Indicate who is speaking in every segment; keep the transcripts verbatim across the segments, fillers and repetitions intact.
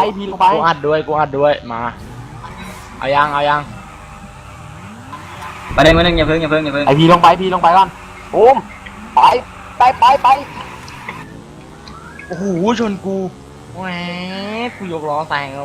Speaker 1: พีลงไปกูอัดด้วยกูอัดด้วยมาเอายังเอายัง
Speaker 2: ประเด็นวันหนึ่งอย่าเพิ่งอย่าเพิ่งอย่าเพิ่ง
Speaker 1: ไอพีลงไปพีลงไปก่อนโอมไปไปไปไปโอ้โหชนกูแหวกูยกล้อแซงแล้ว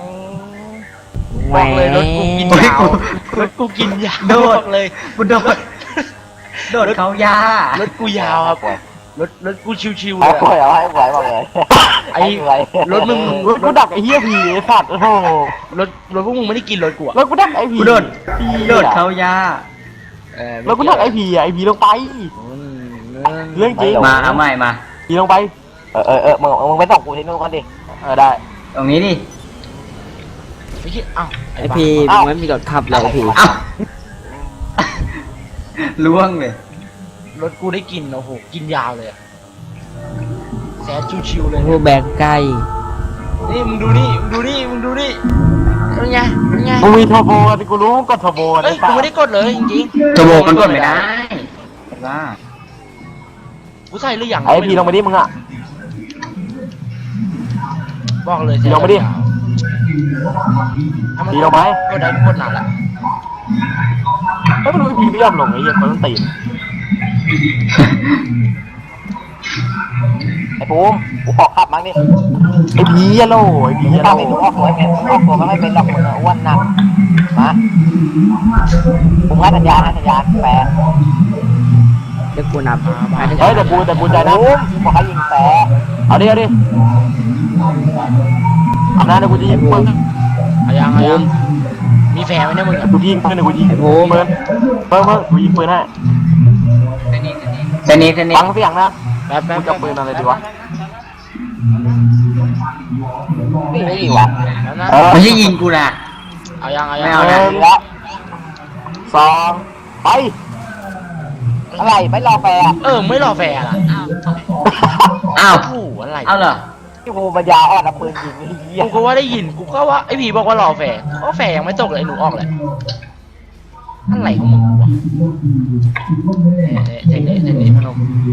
Speaker 1: บอกเลยรถกูกินยาวรถกูกินยาวโดดเลย
Speaker 2: กูโดดโดดเขายาร
Speaker 1: ถกูยาวครับรถรถกูชิวๆเล
Speaker 3: ให้
Speaker 1: ย
Speaker 3: ไหวให้ไหวบอกเลย
Speaker 1: ไอ้รถมึงรถกูดักไอ้เหี้ยพีไอ้สัตว์โอ้โหรถรถพวกมึงไม่ได้กินรถกูอะรถกูดักไอ้พี
Speaker 2: กูโดดโดดเขายา
Speaker 1: รถกูดักไอ้พีไอ้พีลงไปเรื่องจริง
Speaker 2: มาเอาใหม่มา
Speaker 1: พีลงไป
Speaker 3: เออเออเออมึงมึงไปส่งกูที่นู่นก่อนดิ
Speaker 1: เออได้
Speaker 2: ตรงนี้ดิ
Speaker 1: ไอ้พี่อ้าว
Speaker 4: ไอพีมึงไม่มีรถขับเลยพี
Speaker 2: อ้าวล่วงเลย
Speaker 1: รถกูได้กินโอ้โหกินยาวเลยแสนชิวๆเลย
Speaker 4: พวกแบกไก่
Speaker 1: นี่มึงดูนี่มึงดูนี่มึงดูนี่เป็นไงเป็นไงมึงมีเทอร์โบที่กูรู้กดเทอร์โบเอ้ยกูไม่ได้กดเลยจริง
Speaker 2: ๆเทอร์โบมันกดไม่ได้ว่า
Speaker 1: กูใส่หรือยังไอพีลงไปดิมึงอ่ะบอกเลยลงไปดิพีลงไปกดได้กดนานละเฮ้ยมันไม่พีไม่ยอมลงไอ้ยังคนต้องตีน
Speaker 3: ไอ้ภูมิกูขอขับมั้งดิ
Speaker 1: ไอ้พีอะโลไอ้พีอะโล
Speaker 3: ขับไอ้หนูออกตัวไม่เป็นออกตัวไม่เป็นหรอกมึงอ้วนหนักมาผมให้สัญญาณให้สัญญาณแปร
Speaker 4: เดี๋ยวกูนับ
Speaker 1: เฮ้ยแต่กูแต่กูใจนะ
Speaker 3: บอกให้ยิงแปร
Speaker 1: เอาดิเอาดิเอาหน้าเดี๋ยวกูจะยิงปืนเอายังเอายังมีแฟนไหมเนี่ยมึงกูยิงปืนเดี๋ยวกูยิงปืนปืนปืนปืนกูยิงปืนให้
Speaker 2: เซนีเซนี
Speaker 1: ฟังเสียงนะแป๊บแป๊บจะปืนอะไรดีวะ
Speaker 3: ไม่ได้ยิงวะ
Speaker 2: ไม่ใช่ยิงกูนะ
Speaker 1: เอายังเอายัง
Speaker 2: ไม่เอานะ
Speaker 1: สองไป
Speaker 3: อะไรไม่รอแฟร์
Speaker 1: เออไม่รอแฟร์ล่ะ
Speaker 2: อ้าว
Speaker 1: โอ้อะไร
Speaker 2: เอาเหรอ
Speaker 3: ที่ภูปัญญาอ่อนปืนยิง
Speaker 1: กูก็ว่าได้ยินกูก็ว่าไอ้ผีบอกว่ารอแฟร์ก็แฟร์ยังไม่ตกเลยหนูออกเลยอะไรของมึงวะเทคนิคเทคนิคพนม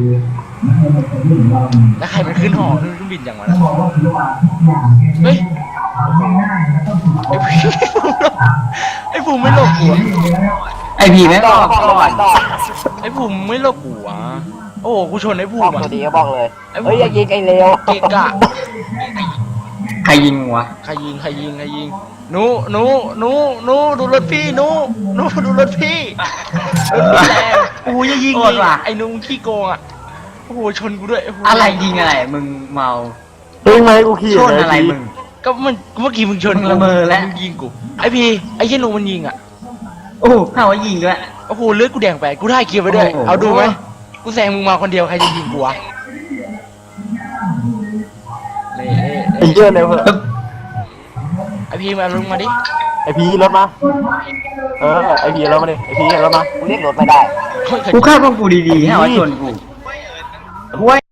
Speaker 1: แล้วใครมันขึ้นหอขึ้นบินอย่างวะนะเฮ้ยไอ้ผีไอ้ภูมิไม่หลบกู
Speaker 2: ไอ้ผีไม่บอกก่อน
Speaker 1: ไอ้ภูมิไม่หลบกูอ่ะโอ้กูชนไอ้ภูมิอ่ะ
Speaker 3: ตัวดีก็บอกเลยเฮ้ยอย่ายิงไอ้เลว
Speaker 1: เกะกะ
Speaker 2: ใครยิงวะ
Speaker 1: ใครยิงใครยิงใครยิงหนูหนูหนูหนูดูรถพี่หนูหนูดูรถพี่รถพี่แรงโอ้ยยิงเลยไอ้นุ่งขี้โกงอ่ะโอ้โหชนกูด้วย
Speaker 2: อะไรยิงอะไรมึงเมา
Speaker 1: เฮ้ยไม่กูขี่
Speaker 2: ชนอะไรมึง
Speaker 1: ก็มันเมื่อกี้มึงชน
Speaker 2: ละเมอแล้ว
Speaker 1: มึงยิงกูไอพี่ไอเช่นลุงมันยิงอ่ะ
Speaker 2: โอ้ข้าวยิงด้วย
Speaker 1: โอ้โหเลือดกูแดงไปกูได้เกียร์ไปด้วยเอาดูไหมกูแซงมึงมาคนเดียวใครจะยิงกูวะไอ้เยอะเลยเพื่อนไอพี่มาลงมาดิไอพี่รถมาเออไอพี่รถมาดิไอพี่รถมา
Speaker 3: กูเรียกรถไม่ได้
Speaker 2: กูข้าวของกูดีๆให้เอาชนกู